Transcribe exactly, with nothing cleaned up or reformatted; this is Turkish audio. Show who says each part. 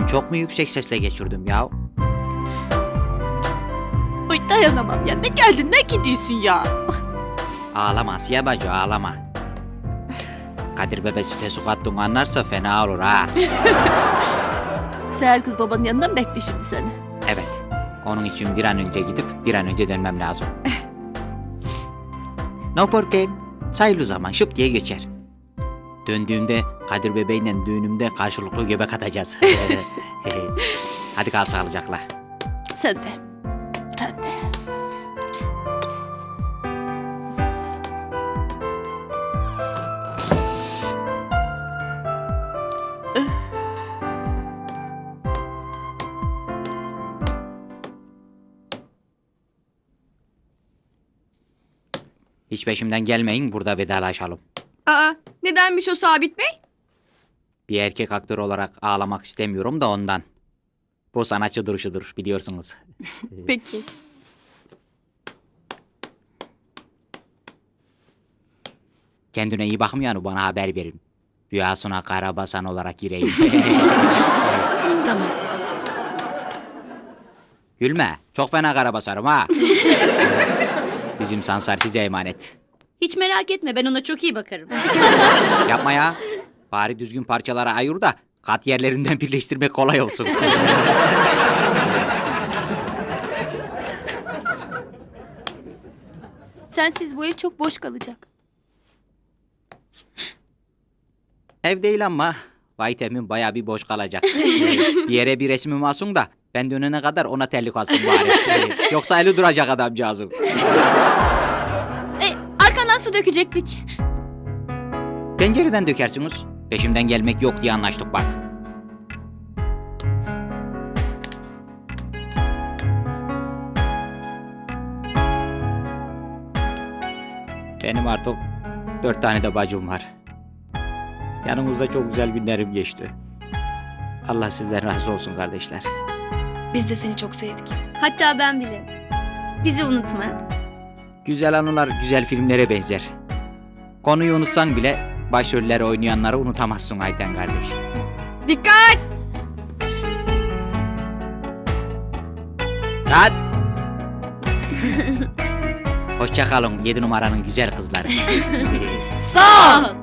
Speaker 1: Ben çok mu yüksek sesle geçirdim ya?
Speaker 2: Ay dayanamam ya. Ne geldin ne gidiyorsun ya?
Speaker 1: Ağlama Asiye bacı ağlama. Kadir bebe süte su kattığını anlarsa fena olur ha.
Speaker 2: Seher kız babanın yanından mı bekle şimdi seni?
Speaker 1: Evet. Onun için bir an önce gidip bir an önce dönmem lazım. No problem. Sayılı zaman şıp diye geçer. Döndüğümde Kadir bebeğinle düğünümde karşılıklı göbek atacağız. Hadi kal sağlıcakla.
Speaker 2: Sen de. Sen de.
Speaker 1: Hiç peşimden gelmeyin, burada vedalaşalım.
Speaker 3: Aa, nedenmiş o Sabit Bey?
Speaker 1: Bir erkek aktör olarak ağlamak istemiyorum da ondan. Bu sanatçı duruşudur biliyorsunuz.
Speaker 3: Peki.
Speaker 1: Kendine iyi bakmayanı bana haber verin. Rüyasına karabasan olarak gireyim.
Speaker 3: Tamam.
Speaker 1: Gülme, çok fena karabasarım ha. Bizim Sansar size emanet.
Speaker 4: Hiç merak etme, ben ona çok iyi bakarım.
Speaker 1: Yapma ya. Bari düzgün parçalara ayır da kat yerlerinden birleştirmek kolay olsun.
Speaker 4: Sensiz bu ev çok boş kalacak.
Speaker 1: Ev değil ama Vaytem'in bayağı bir boş kalacak. Bir yere bir resmim alsın da ben dönene kadar ona terlik alsın bari. Yoksa eli duracak adamcağızım.
Speaker 4: E, arkandan su dökecektik.
Speaker 1: Pencereden dökersiniz. Peşimden gelmek yok diye anlaştık bak. Benim artık dört tane de bacım var. Yanımızda çok güzel günlerim geçti. Allah sizden razı olsun kardeşler.
Speaker 3: Biz de seni çok sevdik.
Speaker 4: Hatta ben bile. Bizi unutma.
Speaker 1: Güzel anılar güzel filmlere benzer. Konuyu unutsan bile başrolleri oynayanları unutamazsın Ayten kardeş.
Speaker 3: Dikkat!
Speaker 1: Kat! Hoşça kalın yedi numaranın güzel kızları.
Speaker 4: Sağ ol.